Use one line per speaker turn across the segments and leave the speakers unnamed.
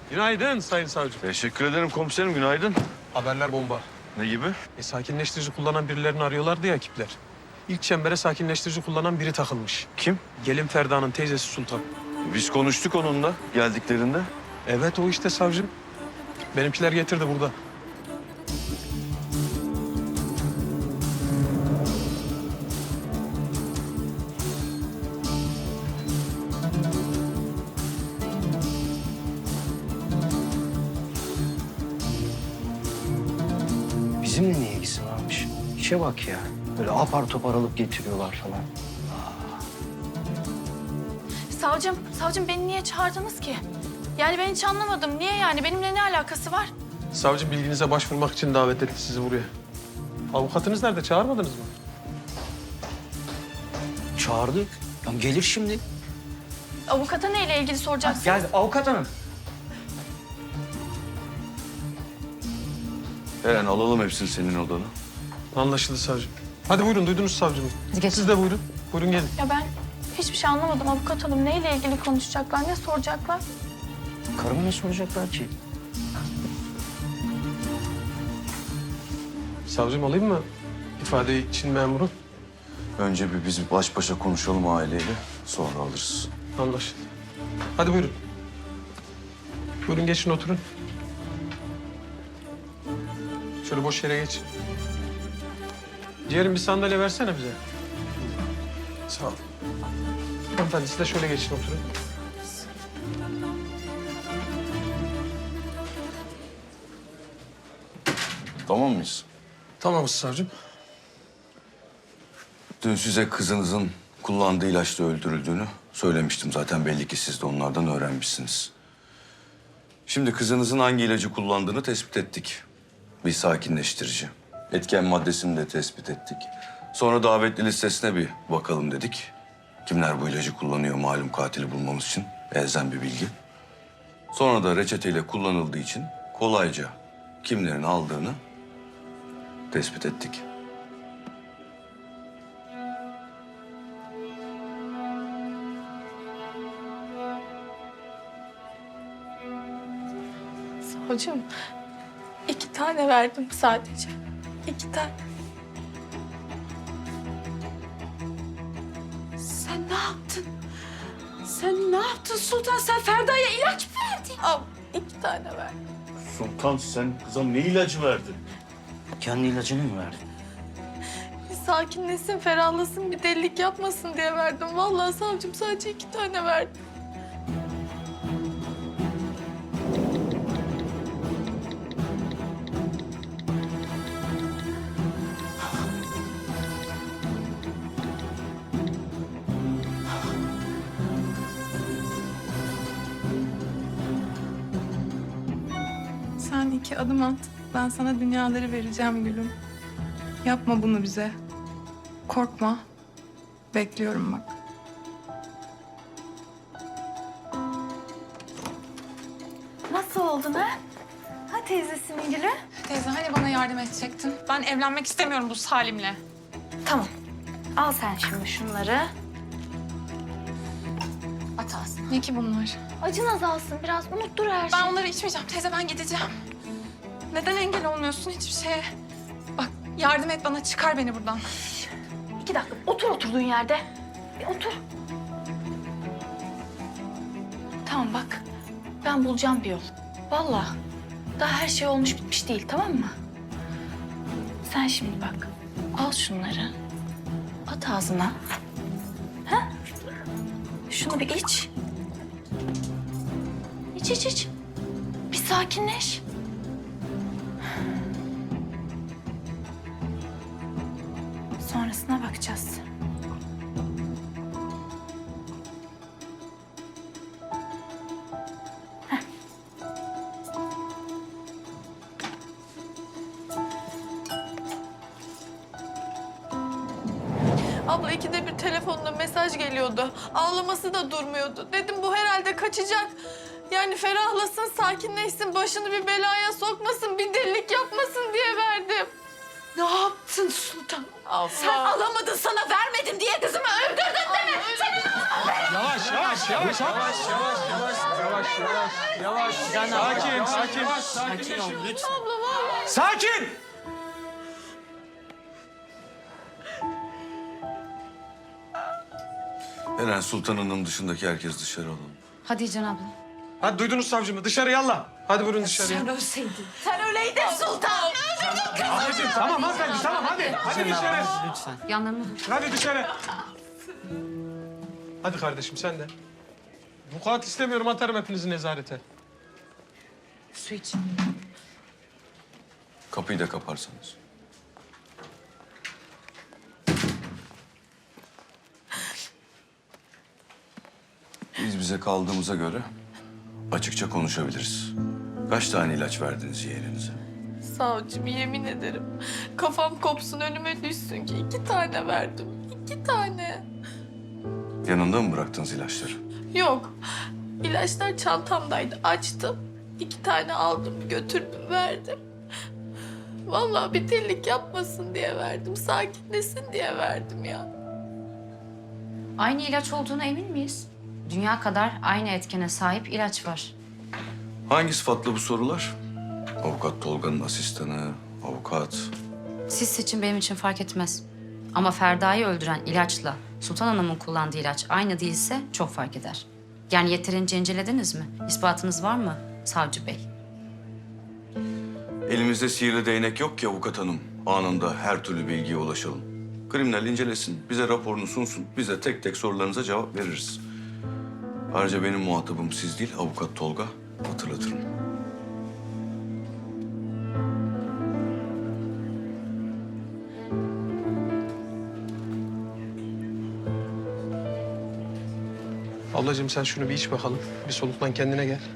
Günaydın Sayın Savcı.
Teşekkür ederim komiserim, günaydın.
Haberler bomba.
Ne gibi?
Sakinleştirici kullanan birilerini arıyorlardı ya ekipler. İlk çembere sakinleştirici kullanan biri takılmış.
Kim?
Gelin Ferda'nın teyzesi Sultan.
Biz konuştuk onunla geldiklerinde.
Evet o işte savcım. Benimkiler getirdi burada.
Bizimle ne ilgisi varmış? İşe bak ya. Böyle apar topar alıp getiriyorlar falan.
Savcım beni niye çağırdınız ki? Yani ben hiç anlamadım. Niye yani? Benimle ne alakası var?
Savcı bilginize başvurmak için davet etti sizi buraya. Avukatınız nerede? Çağırmadınız mı?
Çağırdık. Ya gelir şimdi.
Avukata neyle ilgili soracaksınız?
Gel avukat hanım.
Eren alalım hepsini senin odana.
Anlaşıldı savcım. Hadi buyurun duydunuz savcımı. Siz de buyurun. Buyurun gelin.
Ya ben hiçbir şey anlamadım. Avukat hanım neyle ilgili konuşacaklar, ne soracaklar?
Karıma ne soracaklar ki?
Savcım alayım mı ifadeyi için memuru?
Önce biz baş başa konuşalım aileyle, sonra alırız.
Anlaşıldı. Hadi buyurun. Buyurun geçin oturun. Şöyle boş yere geç. Ciğerim bir sandalye versene bize. Sağ ol. Hanımefendi siz de şöyle geçin oturun.
Tamam mıyız?
Tamamız savcım.
Dün size kızınızın kullandığı ilaçla öldürüldüğünü söylemiştim zaten. Belli ki siz de onlardan öğrenmişsiniz. Şimdi kızınızın hangi ilacı kullandığını tespit ettik. Bir sakinleştirici. Etken maddesini de tespit ettik. Sonra davetli listesine bir bakalım dedik. Kimler bu ilacı kullanıyor malum katili bulmamız için. Elzem bir bilgi. Sonra da reçeteyle kullanıldığı için kolayca kimlerin aldığını tespit ettik.
Savcım, 2 tane verdim sadece. 2 tane.
Sen ne yaptın? Sen ne yaptın Sultan? Sen Ferda'ya ilaç mı verdin?
Al, 2 tane verdim.
Sultan sen kıza ne ilacı verdin?
Kendi ilacını mı verdin?
Bir sakinleşsin, ferahlasın, bir delilik yapmasın diye verdim. Vallahi savcım sadece 2 tane verdim.
Sen 2 adım at. Ben sana dünyaları vereceğim gülüm. Yapma bunu bize. Korkma. Bekliyorum bak.
Nasıl oldun ha? Ha teyzesinin gülü?
Teyze hani bana yardım edecektin? Ben evlenmek istemiyorum bu Salim'le.
Tamam. Al sen şimdi şunları.
At ağzına. Ne ki bunlar?
Acın azalsın biraz. Unuttur her şeyi.
Ben onları içmeyeceğim teyze, ben gideceğim. Neden engel olmuyorsun hiçbir şeye? Bak yardım et bana, çıkar beni buradan.
2 dakika. Otur oturduğun yerde. Bir otur. Tamam bak. Ben bulacağım bir yol. Vallahi. Daha her şey olmuş bitmiş değil, tamam mı? Sen şimdi bak. Al şunları. At ağzına. Ha? Şunu bir iç. İç iç iç. Bir sakinleş. Sonrasına bakacağız. Heh. Abla 2'de bir telefonla mesaj geliyordu. Ağlaması da durmuyordu. Dedim bu herhalde kaçacak. Yani ferahlasın, sakinleşsin, başını bir belaya sokmasın, bir delilik yapmasın diye verdim.
Ne yaptın Sultan? Sen alamadın, sana vermedim diye kızımı öldürdün değil mi?
Yavaş, yavaş, yavaş, yavaş, yavaş, yavaş, yavaş, yavaş, yavaş. Sakin, sakin.
Sakin ol lütfen.
Sakin!
Eren, Sultan Hanım dışındaki herkes dışarı alalım.
Hadi Can abla.
Hadi duydunuz savcımı. Dışarı yallah. Hadi buyurun dışarıya.
Sen ölseydin. Sen öyleydin Sultan.
Ablacığım tamam hanımefendi tamam hadi. Hadi dışarı.
Lütfen.
Yanlarına dur.
Hadi dışarı. Hadi kardeşim sen de. Vukuat istemiyorum, atarım hepinizi nezarete.
Su iç.
Kapıyı da kaparsanız. Biz bize kaldığımıza göre açıkça konuşabiliriz. Kaç tane ilaç verdiniz yeğeninize?
Savcım yemin ederim. Kafam kopsun önüme düşsün ki 2 tane verdim. 2 tane.
Yanında mı bıraktınız ilaçları?
Yok. İlaçlar çantamdaydı. Açtım. 2 tane aldım, götürdüm, verdim. Vallahi bir delilik yapmasın diye verdim. Sakinlesin diye verdim ya.
Aynı ilaç olduğuna emin miyiz? Dünya kadar aynı etkene sahip ilaç var.
Hangi sıfatla bu sorular? Avukat Tolga'nın asistanı, avukat.
Siz seçin, benim için fark etmez. Ama Ferda'yı öldüren ilaçla Sultan Hanım'ın kullandığı ilaç aynı değilse çok fark eder. Yani yeterince incelediniz mi? İspatınız var mı savcı bey?
Elimizde sihirli değnek yok ki avukat hanım. Anında her türlü bilgiye ulaşalım. Kriminal incelesin, bize raporunu sunsun. Biz de tek tek sorularınıza cevap veririz. Ayrıca benim muhatabım siz değil, avukat Tolga. Hatırlatırım.
Ablacığım sen şunu bir iç bakalım. Bir soluklan, kendine gel.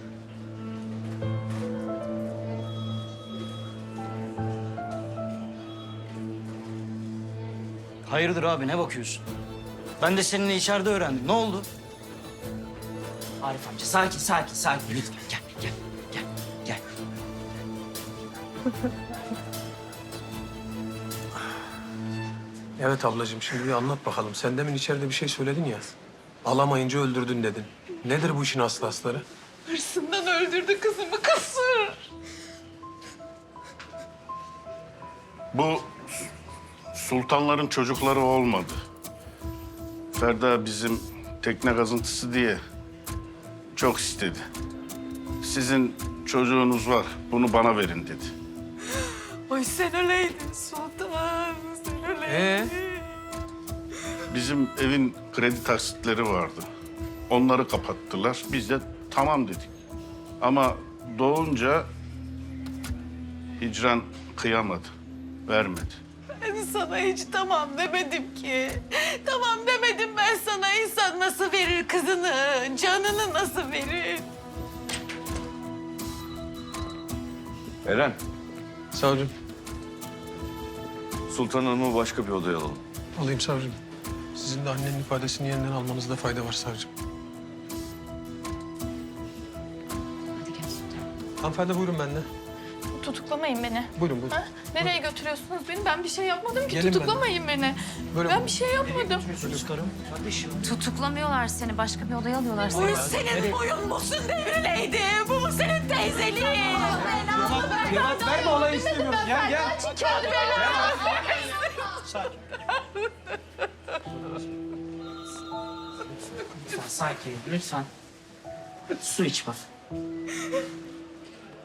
Hayırdır abi ne bakıyorsun? Ben de seninle içeride öğrendim. Ne oldu? Arif amca sakin sakin sakin lütfen gel gel gel gel.
Evet ablacığım, şimdi bir anlat bakalım. Sen demin içeride bir şey söyledin ya. Alamayınca öldürdün dedin. Nedir bu işin aslı asları?
Hırsından öldürdü kızımı, kasır.
Bu sultanların çocukları olmadı. Ferda bizim tekne kazıntısı diye çok istedi. Sizin çocuğunuz var, bunu bana verin dedi.
Ay sen öyleydin Sultan. Sen öyleydin.
Bizim evin kredi taksitleri vardı. Onları kapattılar. Biz de tamam dedik. Ama doğunca Hicran kıyamadı, vermedi.
Ben sana hiç tamam demedim ki. Tamam demedim ben sana. İnsan nasıl verir kızını, canını nasıl verir?
Eren,
Savcım,
Sultan Hanım'ı başka bir odaya alalım.
alayım savcım. Sizin de annenin ifadesini yeniden almanızda fayda var savcım.
Hadi gel Sultan.
Hanımefendi buyurun benimle.
Tutuklamayın beni.
Buyurun buyurun.
Ha? Nereye götürüyorsunuz beni? Ben bir şey yapmadım ki.
Gelin
Tutuklamayın beni.
Böyle
Ben bir şey yapmadım.
Çocuklarım kardeşim.
Tutuklamıyorlar seni, başka bir odaya alıyorlar seni.
Bu senin boyun musun devrileydi? Bu mu senin teyzeliğin?
Cevap verme, olayı istemiyorum. Gel gel.
Lütfen sakin lütfen. Su iç bak.